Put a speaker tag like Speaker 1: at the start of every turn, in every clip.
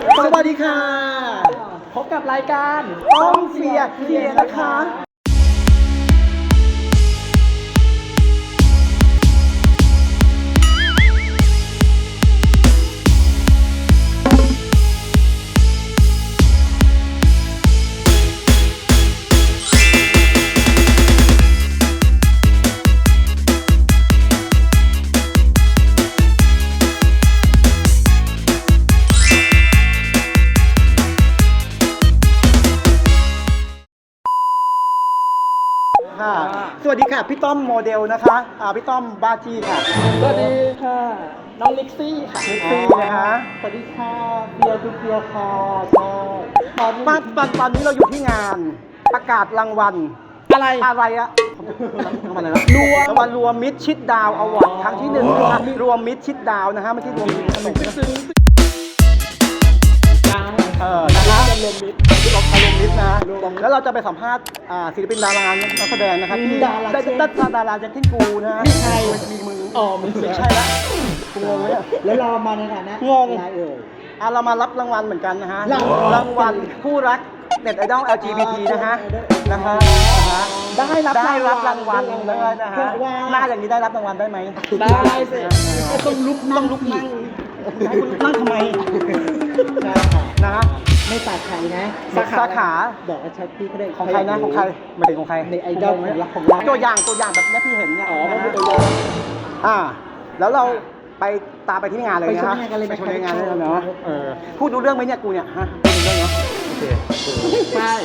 Speaker 1: สวัสดีค่ะพบกับรายการต้องเสียเคลียร์นะคะสวัสดีค่ะพี่ต้อมโมเดลนะคะพี่ต้อมบ้าจี้ค่ะ
Speaker 2: สวัสดีค่ะน้องลิกซี่ค่ะ
Speaker 1: ลิกซี่นะคะสวัสดีค่ะเบียร์คือเบียร์ค่ะใช่ตอนนี้เราอยู่ที่งานประกาศรางวัลอะไรอะรางวัลอะไรนะรางวัลรวมมิตรชิดดาวอวอร์ดครั้งที่1นะคะรวมมิตรชิดดาวนะฮะไม่ใช่รวมมิตรขนมนะคะรวมมิตรนะแล้วเราจะไปสัมภาษณ์ศิลปินดารานักแสดงนะครับที่ดาราเจนทินกูนะฮะใช่มีมือไม่ใช่ละกูงงเลย
Speaker 2: แล้วเรามาในฐานะ
Speaker 1: งงเรามารับรางวัลเหมือนกันนะฮะรางวัลคู่รักเน็ตไอดอล LGBT นะฮะได้รับรางวัลเลยนะฮะหน้าอย่างนี้ได้รับรางวัลได้ไหม
Speaker 2: ได้สิต้องลุกนั่ง
Speaker 1: ทำไมนะ
Speaker 2: ไม่ตัดใครนะ
Speaker 1: สาขา
Speaker 2: บอกว่าชัดพี่ก็ได้
Speaker 1: ของใครนะของใครไม่ถึงของใคร
Speaker 2: ในไอดอลของเรา
Speaker 1: ตัวอย่างแบบนี้ที่เห็นเนี่ยตัวอย่างแล้วเราไปตามไปที่งานเลยนะฮะไปชมงานเลยเนาะพูดดูเรื่องไหมเนี่ยกูเนี่ยฮะพูดดูเรื่องเนาะโอเค
Speaker 2: ใช่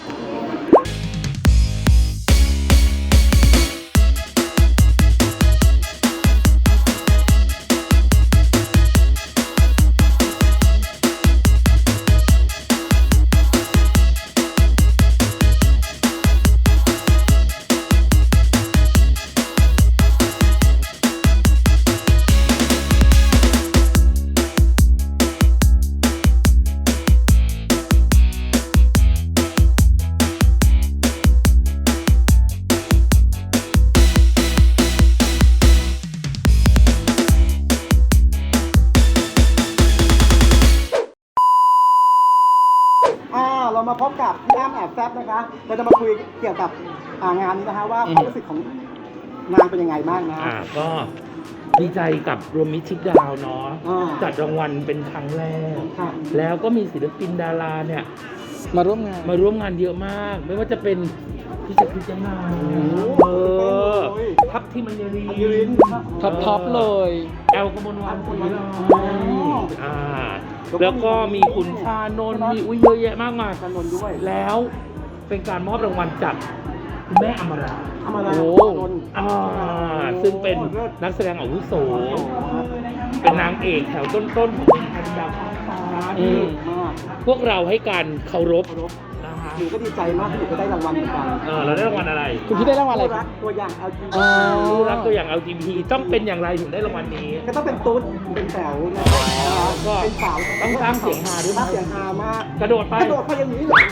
Speaker 1: เรามาพบกับพี่อ้ำแอบแซบนะคะเราจะมาคุยเกี่ยวกับงานนี้นะคะว่าความรู้สึกของงานเป็นยังไงบ้างนะ
Speaker 3: ก็ดีใจกับรวมมิตรชิดดาวเนาะจัดรางวัลเป็นครั้งแรกแล้วก็มีศิลปินดาราเนี่ย
Speaker 2: มาร่วมงาน
Speaker 3: เยอะมากไม่ว่าจะเป็นพี่จักรยังไงทัพที่มันยืน
Speaker 2: ท็อปเลย
Speaker 3: แอลกมลวันศรีลแล้วก็มีคุณชานนท์มีเยอะแยะมากมาย
Speaker 1: ชานนท์ด้วย
Speaker 3: แล้วเป็นการมอบรางวัลจากคุณแม่อมราซึ่งเป็นนักแสดงอาวุโสเป็นนางเอกแถวต้นๆของวงการดาวฟ้าพวกเราให้การเคารพ
Speaker 1: หนูก็ดีใจมากที่หนูก็ได้รางวัลเหมือนกัน
Speaker 3: เราได้รางวัลอะไร
Speaker 2: คุณพี่ได้รางวัลอะไร
Speaker 1: ตัวอย่าง LGBT
Speaker 3: รักตัวอย่าง LGBT ต้องเป็นอย่างไรถึงได้รางวัลนี้
Speaker 1: ก็ต้องเป็นตุ๊ดเป็นแถว
Speaker 3: ก็เป็นสาวต้องสร้างเสียงฮาด้วย
Speaker 1: เสียงฮามาก
Speaker 3: กระโดดไป
Speaker 1: อย่างนี้เลย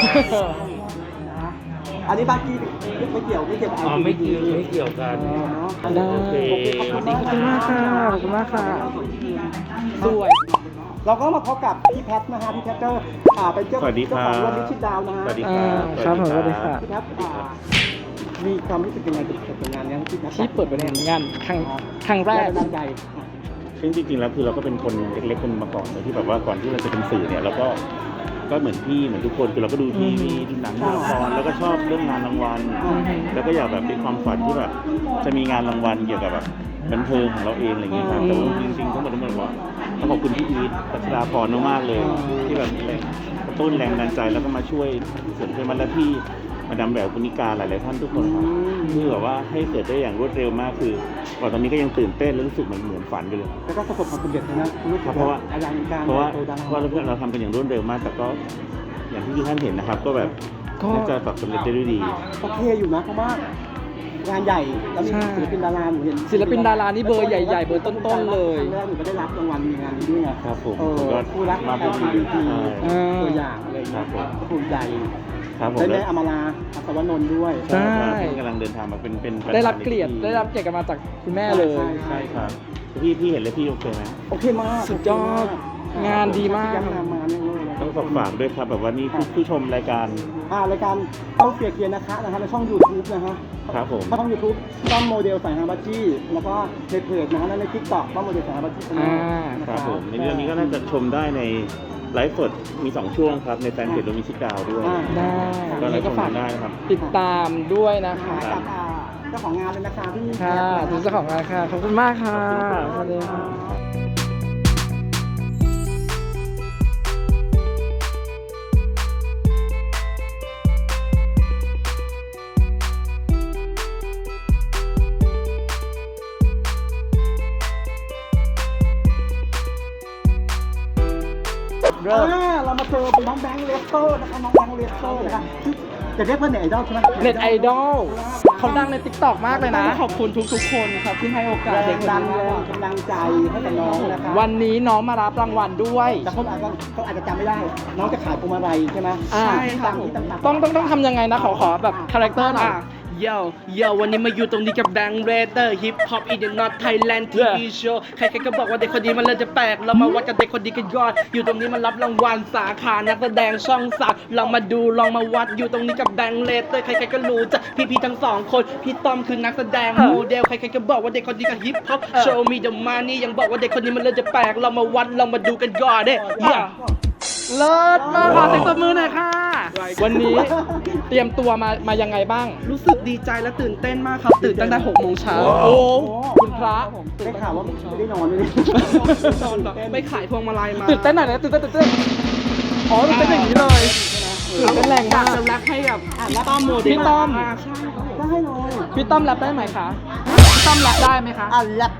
Speaker 1: อันนี้บ้านที่ไม่เกี่ยว
Speaker 3: ไม่เกี่ยวกัน
Speaker 2: โอเคขอบคุณมากค่ะสวย
Speaker 1: เราก็มาพบกับพี่แพทนะฮะพี่แพทก็เป็นเจ้าของรวมมิตรชิดดาวนะฮะ
Speaker 3: สวัสดีครับ
Speaker 2: สวัสดีค่ะ
Speaker 1: พี่แพทมีความรู้สึกยังไงกับงานนี้
Speaker 2: ที่เปิดเป็นงานครั้งแรก
Speaker 1: ตั้งใจ
Speaker 3: ซึ่งจริงๆแล้วคือเราก็เป็นคนเล็กๆคนมาก่อนเลยที่แบบว่าก่อนที่เราจะเป็นสื่อเนี่ยเราก็เหมือนพี่เหมือนทุกคนคือเราก็ดูทีวีดูหนังละครแล้วก็ชอบเรื่องงานรางวัลแล้วก็อยากแบบเป็นความฝันที่แบบจะมีงานรางวัลเกี่ยวกับแบบบันเทิงของเราเองอะไรเงี้ยครับแต่ว่าจริงๆทั้งหมดว่าต้องขอบคุณพี่อีทปัชราพรมากๆเลยที่แบบกระตุ้นแรงดันใจแล้วก็มาช่วยเสริมเพื่อนและพี่มาดามแหววกุณิกาหลายๆท่านทุกคนครับคือแบบว่าให้เกิดได้อย่างรวดเร็วมากคือก่อนตอนนี้ก็ยังตื่นเต้นและรู้สึกเหมือนฝันไปเลย
Speaker 1: แล้วก็ประสบความสำเร็จนะ
Speaker 3: เพราะว่าเราทำกันอย่างรวดเร็วมากแต่ก็อย่างที่ท่านเห็นนะครับก็แบบน่าจะแบบสำเร็จได้ด้วยดี
Speaker 1: โอเคอยู่นะเพราะว่างานใหญ่แล้วมีศิลปินดาราเห็น
Speaker 2: ศิลปินดารานี่เบอร์ใหญ่ๆเบอร์ต้นๆเลย
Speaker 1: ครั้งแรกหนูก็ได้รับรางวัลในงานนี้ด้วยไง
Speaker 3: ครับผม
Speaker 1: ก็คู่รักมาเป็นตัวอย่างอะไรครับผมคู่ใหญ่ได้แม่อมราอัศวนนท์ด้วย
Speaker 3: ใช่กำลังเดินทางมาเป็น
Speaker 2: ได้รับเกียรติกันมาจากคุณแม่เลย
Speaker 3: ใช่ครับพี่เห็นแล้วพี่โอเคไหม
Speaker 1: โอเคมาก
Speaker 2: สุดยอดงานดีมาก
Speaker 1: ยังมาเนี่ยเลย
Speaker 3: ต้องฝากด้วยครับแบบว่านี่ผู้ชมรายการ
Speaker 1: รายการต้องเสียเกียร์นะคะในช่อง YouTube นะฮะ
Speaker 3: ครับผม
Speaker 1: ช่อง YouTube ต้อมโมเดลสายฮาบัจี้แล้วก็ในเพจนะฮะและใน TikTok ต้อมโมเดลสายฮาบัจี้
Speaker 3: ครับผมในเรื่องนี้ก็น่าจะชมได้ในไลฟ์สดมี2ช่วงครับในแฟนเพจโดมิชิกาวด้วย
Speaker 2: ได้
Speaker 3: ก็ไล
Speaker 2: นี่
Speaker 3: ฟ์ช
Speaker 2: ก็
Speaker 3: ม
Speaker 2: ฝาก
Speaker 3: ได้นะครับ
Speaker 2: ติดตามด้วยนะ
Speaker 1: หา
Speaker 2: คะ
Speaker 1: กับเจ้าของงานเลยนะคะพี่
Speaker 2: ค่ะถึงเจ้าของงานค่ะ ขอบคุณมากค่ะ สวัสดีค่ะ
Speaker 1: เรามาเจอน้องแบงค์เลสโต้นะคะน้องแบงค์เลสโต้นะคะจะเรียกว่าเน็ตไอดอลใช่ไหม
Speaker 2: เน็ตไอดอลเขาดังใน TikTok มากเลยนะ
Speaker 4: ขอบคุณทุกๆคนครับที่ให้โอกาส
Speaker 1: แร
Speaker 4: เด็ก
Speaker 1: ง
Speaker 4: คน
Speaker 1: ดัน
Speaker 4: นี้
Speaker 1: แรง
Speaker 4: มาก
Speaker 1: กำลังใจให้กับน้องนะคะ
Speaker 2: วันนี้น้องมารับรางวัลด้วย
Speaker 1: แต่เขาอาจจะจำไม่ได้ น้องจะขายพวงมาลัยใช่ไหม
Speaker 2: อ่า
Speaker 4: ใช่ครับ
Speaker 2: ต้องทำยังไงนะ ขอแบบคาแรคเตอร์หน่อย
Speaker 4: เย่วันนี้มาอยู่ตรงนี้กับแบงค์เรเตอร์ฮิปฮอปอีเดนนอตไทยแลนด์ทีวีโชว์ใครๆก็บอกว่าเด็กคนนี้มันเลยจะแปลกเรามาวัดกับเด็กคนนี้กันก่อนอยู่ตรงนี้มันรับรางวัลสาขานักแสดงช่องสามลองมาดูลองมาวัดอยู่ตรงนี้กับแบงค์เรเตอร์ใครๆก็รู้จักพี่ๆทั้งสองคนพี่ต้อมคือนักแสดงโมเดลใครๆก็บอกว่าเด็กคนนี้กับฮิปฮอปโชว์มีเดอะมานี่ยังบอกว่าเด็กคนนี้มันเลยจะแปลกเรามาวัดเรามาดูกันก่อนเด้ย่า
Speaker 2: เลิศมากขอเสียงตบมือหน่อยค่ะ วันนี้เตรียมตัวมายังไงบ้าง
Speaker 4: รู้สึกดีใจและตื่นเต้นมากครับ ตื่นตั้งแต่6 โมงเช้า
Speaker 2: โอ้คุณพระ
Speaker 1: ได้ข่าวว่าไม่ได้นอนเลย
Speaker 4: ตอนแบบไปขายพวงมาลัยมา
Speaker 2: ตื่นเต้นหน่อยนะตื่นเต้นอ๋อตื่นเต้นอย่างนี้เลยตื่นเต้นแรงมาก
Speaker 4: จะรักให้กับพี่ต้อมโมเดล
Speaker 2: พี่ต้อม
Speaker 4: ใช่ครับผม
Speaker 1: ได้เลย
Speaker 2: พี่ต้อมแรปได้ไหมคะพี่ต้อมแรปได้ไหมคะ
Speaker 1: แลบ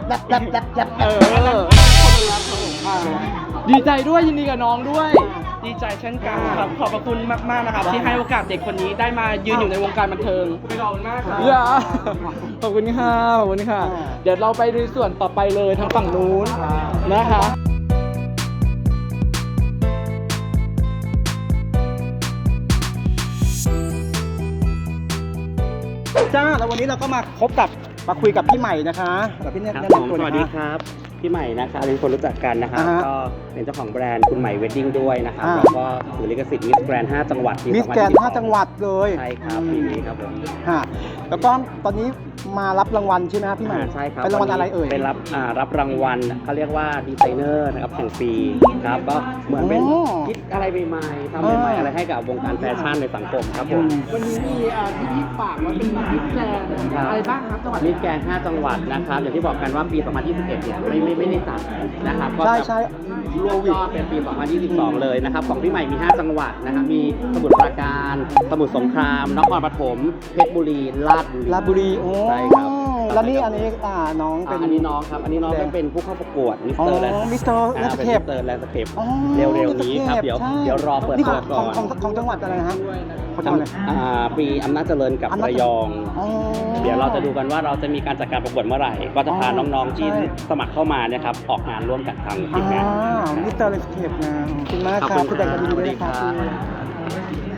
Speaker 2: ดีใจด้วยยินดีกับน้องด้วย
Speaker 4: ดีใจเช่นกันครับ ขอบพระคุณมาก ๆ นะครับ ที่ให้โอกาสเด็กคนนี้ได้มายืนอยู่ในวงการบันเทิงขอบคุณมากครับ
Speaker 2: อย่าขอบคุณค่ะขอบคุณค่ะ เดี๋ยวเราไปในส่วนต่อไปเลยทางฝั่งนู้นนะคะ
Speaker 1: จ้าแล้ววันนี้เราก็มาคุยกับพี่ใหม่นะคะกับพี่เนี่ย
Speaker 5: ครับ
Speaker 1: แนะ
Speaker 5: ผม
Speaker 1: นำตัว
Speaker 5: ส
Speaker 1: นะ
Speaker 5: วัสดี
Speaker 1: คะ
Speaker 5: ครับพี่ใหม่นะครับเป็นคนรู้จักกันนะครับ
Speaker 1: อ่าฮะ
Speaker 5: ก็เป็นเจ้าของแบรนด์คุณใหม่เวดดิ้งด้วยนะครับ
Speaker 1: อ่า
Speaker 5: แล้วก็ถือลิขสิทธิ์มิสแกรนด์5จังหวัดปี
Speaker 1: มิสแกรนด์5จังหวัดเลย
Speaker 5: ใช่ครับปีนี้ครับผม
Speaker 1: ฮะแล้วก็ตอนนี้มารับรางวัลใช่ไหมครับพี่ใหม่
Speaker 5: ใช่ครับ
Speaker 1: เป็นรางวัลอะไรเอ่ย
Speaker 5: เป็นรับรางวัลเขาเรียกว่าดีไซเนอร์นะครับแห่งปีครับก็เหมือนเป็น
Speaker 1: โอ้
Speaker 5: คิดอะไรใหม่ๆทำใหม่ๆอะไรให้กับวงการแฟชั่นในสังคมครับผม
Speaker 2: วันนี้มีที่ฝากว่าเป็นมิสแกรนด์อะไรบ้างครับจังหวัด
Speaker 5: มิสแกรนด์5จังหวัดนะครับอย่างที่บอกกันว่าปี 2021 เนี่ยไม่ได้จัดนะครับก็
Speaker 1: ใช่
Speaker 5: รวมยอดเป็นปี 2022 เลยนะครับ ของพี่ใหม่มี 5 จังหวัดนะครับ มีสมุทรปราการ สมุทรสงคราม นครปฐม เพชรบุรี ราชบุรี
Speaker 1: ราชบุรีโอ้
Speaker 5: ใช่ครับ
Speaker 1: แล้วนี่อันนี้น้องเป็น
Speaker 5: อันนี้น้องครับ อันนี้น้องก็เป็นผู้เข้าประกวดมิส
Speaker 1: อ๋อ
Speaker 5: เตอร์แลนด์
Speaker 1: มิสเตอร์แลนด์สเคป
Speaker 5: มิสเตอร์แลนด์สเคป
Speaker 1: อ๋อ
Speaker 5: เร็วๆนี้ครับ เดี๋ยว
Speaker 1: ใช่
Speaker 5: เดี๋ยวรอเปิด
Speaker 1: นี่
Speaker 5: ตัวก่อน
Speaker 1: ของจังหวัดอะไรนะฮะของจังหวัดอะไร
Speaker 5: ปีอำนาจเจริญกับ
Speaker 1: อำนาจ
Speaker 5: ระยอง
Speaker 1: อ๋อ
Speaker 5: เดี๋ยวเราจะดูกันว่าเราจะมีการจัดการประกวดเมื่อไหร่ ก็จะพา
Speaker 1: อ๋อ
Speaker 5: น้องๆที่
Speaker 1: ใช่
Speaker 5: สมัครเข้ามาเนี่ยครับออกงานร่วมกันทางทีมงาน
Speaker 1: มิสเตอร์แลนด์สเคปนะขอบคุณมาก
Speaker 5: ขอบ
Speaker 1: ครับ
Speaker 5: คุณ
Speaker 1: คุณแดงกันดี
Speaker 5: ครับ
Speaker 1: ด้วยนะครับ
Speaker 5: สวัสดีครับ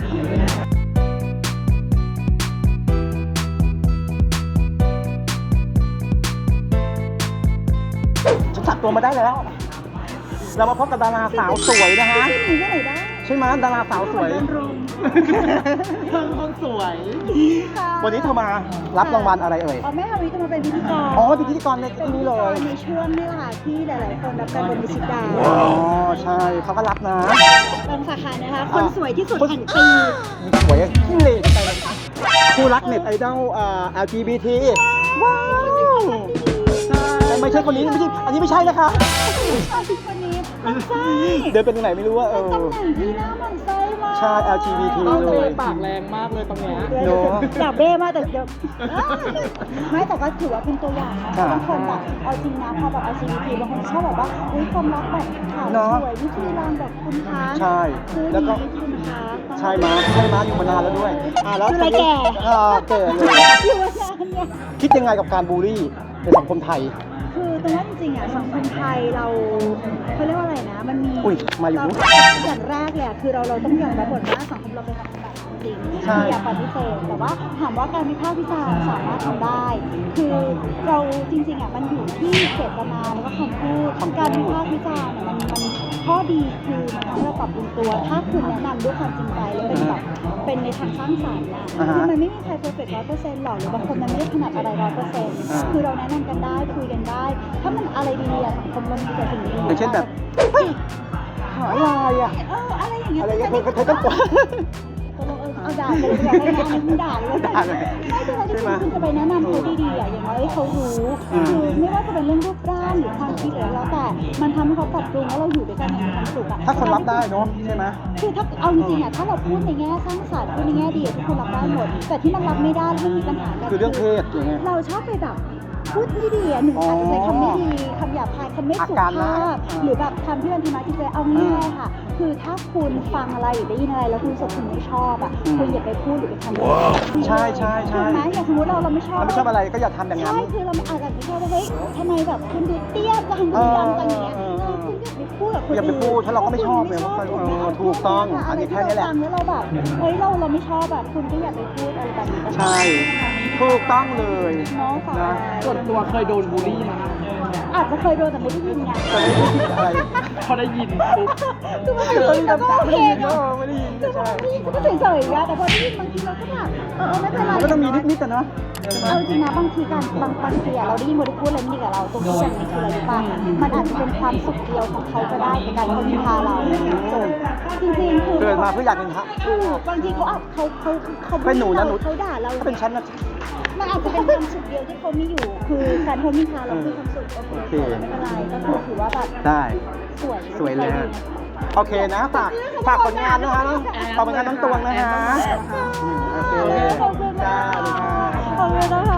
Speaker 1: ฉันจับตัวมาได้แล้ว เรามาพบกับดาราสาวสวยนะฮะ
Speaker 6: หนีที่ไหนได้
Speaker 1: ใช่ไหมดาราสาวสวย
Speaker 6: เดินรุม
Speaker 1: เธอคนสวย
Speaker 6: ค่ะ
Speaker 1: วันนี้เธอมารับรางวัลอะไรเอ่ย
Speaker 6: อ๋อแม่ฮาวิจะมาเป็นพิธีกร
Speaker 1: อ๋อเป็นพิธีกรใน
Speaker 6: เป็นพิ
Speaker 1: นี้
Speaker 6: ธี
Speaker 1: เล
Speaker 6: กร
Speaker 1: ย
Speaker 6: ในช่วงนี่แหละค่ะที่หลาย ๆ คนรับการบนมิชิดา
Speaker 1: อ๋อใช่เขาก็รับนะ
Speaker 6: บางสาขานะคะ คนสวยที่สุดแห่งปี
Speaker 1: สวยที่เหลไปเลยคู่รักเน็ตไอดอลLGBT ว้าวแต่ไม่ใช่คนนี้ไม่ใช่อันนี้ไม่ใช่นะคะ
Speaker 6: คนนี้มันไส้
Speaker 1: เดินเป็นตรงไหนไม่รู้ว่า
Speaker 6: ตำแหน่งที่หน้ามันไส้มาก
Speaker 1: ใช่ LGBT
Speaker 2: ต้อง
Speaker 1: เล
Speaker 2: เลย ยปากแรงมากเลยตรงเนี้ย
Speaker 1: เนอะ
Speaker 6: อยากเบ้มากแต่เดี๋ยวไม่แต่ก็ถือว่าเป็นตัวอย่างนะ
Speaker 1: ค่ะ
Speaker 6: บางคนแบบเอาจริงนะพอแบบ LGBT บางคนชอบแบบว่าอุ้ยความรักแบบขาว
Speaker 1: เนอะ
Speaker 6: สวยวิธีการแบบคุณคะ
Speaker 1: ใช่
Speaker 6: คือ
Speaker 1: แล้วก็
Speaker 6: ดีคุณคะ
Speaker 1: ใช่มาอยู่มานานแล้วด้วยแล้ว
Speaker 6: คืออะไรแก่
Speaker 1: แก่เลย
Speaker 6: อยู่มานานเนี่ย
Speaker 1: คิดยังไงกับการบูลลี่ในสังคมไทย
Speaker 6: คือตรงว่าจริงๆอ่ะสังคมไทยเราเขาเรียกว่าอะไรนะ มันมี
Speaker 1: อุ้ยมาอยู่
Speaker 6: อย่างแรกเลยอะคือเราต้องยอมรับก่อนว่าสังคมเราเป็นสังคมแบบจริง
Speaker 1: ใช่
Speaker 6: อย่าปฏิเสธแต่ว่าถามว่าการวิพากษ์วิจารณ์สามารถทำได้ คือเราจริงๆอ่ะมันอยู่ที่เจตนาแล้วก็คำพูดการวิพากษ์วิจารณ์อะมันข้อดีคือมันทำให้เราปรับปรุงตัว ถ้าคุณแนะนำด้วยความจริงใจแล้วเป็นแบบเป็นในทางสร้างสรรค์นะคือมันไม่มีใครเพอร์เฟกต์100%หรอกหรือบางคนมันไม่ได้ถนัดอะไร100%คือเราแนะนำกันได้คุยกันได้ ถ้ามันอะไรดีๆอะสังคมมันมีแต่สิ่งดีๆ
Speaker 1: อย่างเช่นแบบเฮ้ยหาอะไรอ่ะ
Speaker 6: อะไรอย่างเงี้ย
Speaker 1: อะไรเงี้ยเธอต้องกลัว
Speaker 6: ตกลงเอาด่าเลยดีกว่าไม่งั้นมึงด่าเลย
Speaker 1: ด่าเลย
Speaker 6: ไม่คืออะไรที่คุณจะไปแนะนำเขาดีๆอ่ะอย่างน้อยเขารู้คือไม่ว่าจะเป็นเรื่องรูปร่างหรือความคิดหรือแล้วแต่มันทำให้เขาปรับปรุงแล้วเราอยู่ด้วยกันอย่างมีความสุขอ่ะ
Speaker 1: ถ้าคนรับได้เนาะใช่ไหม
Speaker 6: คือถ้าเอาจริงๆอ่ะถ้าเราพูดในแง่สร้างสรรค์พูดในแง่ดีทุกคนรับได้หมด แต่ที่มันรับไม่ได้ที่มีปัญหากัน
Speaker 1: คือเรื่องเพศอย่างเงี้ย
Speaker 6: เราชอบไปแบบพูดไม่ดีอ่ะหนึ่งอาจจะใช้คำไม่ดีคำหยาบคายคำไม่สุ
Speaker 1: อาการ
Speaker 6: ภา
Speaker 1: ร้าย
Speaker 6: พหรือแบบคำที่มันทำร้ายจิตใจเอาง่ายๆค่ะ คือถ้าคุณฟังอะไรหรือได้ยินอะไรแล้วคุณรู้สึกคุณไม่ชอบอ่ะคุณอย่าไปพูดหรือไปทำ
Speaker 1: ใช่ใช่ใช่
Speaker 6: ถูกไหมอย่างสมมติเราไม่ชอบ
Speaker 1: เราไม่ชอบอะไรก็อย่าทำอย่างนั้น
Speaker 6: ใช่คือเราไม่อาจจะไม่ชอบว่าเฮ้ยทำไมแบบคุณดูเตี้ยจังดูดำจังอย่างเงี้ยคุณอย่าไปพูดกับคนอื่น
Speaker 1: อย่าไปพูดถ้าเราก็ไม่ชอบเลย ถูกต้องอันนี้แค่นี้แหละ
Speaker 6: อะไรที่เราฟังแล้วเราแบบเฮ้ยเราไม่ชอบแบบคุณก็อย่าไปพูดอะไรแบบนี้
Speaker 1: ใช่ถูกต้องเลย
Speaker 6: น้องสาว
Speaker 1: นะ
Speaker 4: ส่วนตัวเคยโดนบูลลี่มา
Speaker 6: อาจจะเคยโดนแต่ไม่ได้ยินไง
Speaker 1: แต่ไม่ได้คิดอะไร
Speaker 4: พอได้ยินปุ๊บ
Speaker 6: คือมันได้ยินแล้วก็โอเคไง
Speaker 1: ไม่ได้ยิน
Speaker 6: คือ
Speaker 1: ใช่
Speaker 6: มันได้ยินก็เฉยๆอะแต่พอได้ยินบางทีเราก็แบบไม่เป็นไร
Speaker 1: มันก็ต้องมีนิดๆแต่เนาะ
Speaker 6: เอาจริงนะบางทีบางทีอะเราได้ยินคนที่พูดอะไรไม่ดีกับเราตรงที่อย่างนี้คืออะไรรู้ป่ะมันอาจจะเป็นความสุขเดียวของเขาก็ได้ในการเขานินทาเราจริงๆคือ
Speaker 1: เกิดมาเพื่ออยากเป็นพระ
Speaker 6: ถูกบางทีเขาอาจเขา
Speaker 1: เป็นหนูนะหนู
Speaker 6: เขาด่าเรา
Speaker 1: ถ้าเป็นฉันนะ
Speaker 6: มันอาจจะเป็นความสุขเดียวที่เขามีอยู่ คือการเขานินทาเราคือความสุขโอเคไม่เป็นไรก็คือถือว่าแบบ
Speaker 1: ได้
Speaker 6: สวย
Speaker 1: เลยฮะโอเคนะฝากผลงานนะคะฝากผลงานน้องตวงนะคะโอเค
Speaker 6: ขอบคุณ
Speaker 1: จ้า
Speaker 6: ค่ะ
Speaker 1: ดีค่ะ
Speaker 6: ขอบคุณนะคะ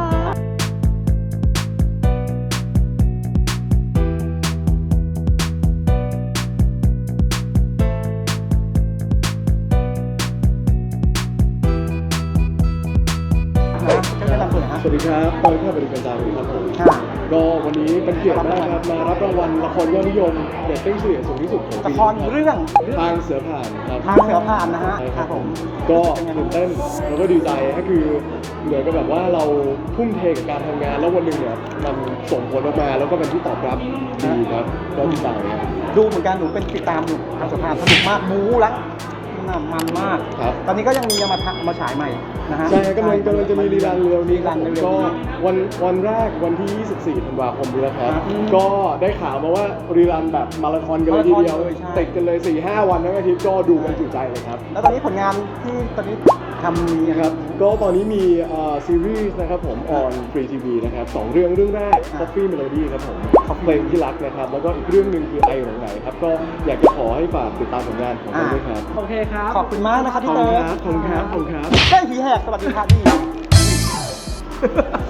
Speaker 1: จะแนะนำตัวหน่อยฮะ
Speaker 7: สวัสดีครับตอนข้าบริการดาวครับผม
Speaker 1: ค่ะ
Speaker 7: ก็วันนี้เป็นเกียรติมากครับมารับรางวัลละครยอดนิยมเรตติ้งเฉลี่ยสูงที่สุดของ
Speaker 1: ละ
Speaker 7: ปี
Speaker 1: ครเรื่อง
Speaker 7: ทางเสือผ่านครับ
Speaker 1: ทางเสือผ่านนะฮะ
Speaker 7: ใช่
Speaker 1: ครับผม
Speaker 7: ก็ตื่นเต้นแล้วก็ดีใจก็คือเหมือนกับแบบว่าเราทุ่มเทกับการทำงานแล้ววันหนึ่งเนี่ยมันส่งผลออกมาแล้วก็เป็นที่ตอบรับดีครับก็ดีใจครับ
Speaker 1: ดูเหมือนกันหนูเป็นติดตามอยู่ทางเสือผ่านสนุกมากบู๊แล้วมันมาก
Speaker 7: ครับ
Speaker 1: ตอนนี้ก็ยังมีเอามาฉายใหม่นะฮะ
Speaker 7: ใช่กำลังจะมีรีรันเร็วนี้ครับ
Speaker 1: รีรันเร็วๆ
Speaker 7: ก็
Speaker 1: นี้
Speaker 7: วันแรกวันที่ 24 ธันวาคมนี้นะครับ
Speaker 1: อืม
Speaker 7: ก็ได้ข่าวมาว่ารีรันแบบมาราธอนกันเลยทีเดียว
Speaker 1: มาราธอนเลยใช่
Speaker 7: ติดกันเลย 4-5 วันทั้งอาทิตย์ก็ดูกันจุใจเลยครับ
Speaker 1: แล้วตอนนี้ผลงานที่ตอนนี้ทำมี
Speaker 7: นะครับ ก็ตอนนี้มีซีรีส์นะครับผม on Free TV นะครับ2เรื่องแรก Coffee Melody ครับผมเพลงที่รักนะครับ แล้วก็อีกเรื่องหนึ่งคือไอหลงไหนครับ ก็อยากจะขอให้ฝากติดตามผลงานของเราด้วยครับ
Speaker 4: โอเคครับ
Speaker 1: ขอบคุณมากนะครับ
Speaker 7: ข
Speaker 1: พี่
Speaker 7: อบ
Speaker 1: เติ
Speaker 7: คุณ
Speaker 1: ร์
Speaker 7: ครับขอบคุณครับขอบคุณครับ
Speaker 1: ได้ผีแหกสวัสดีครับพี่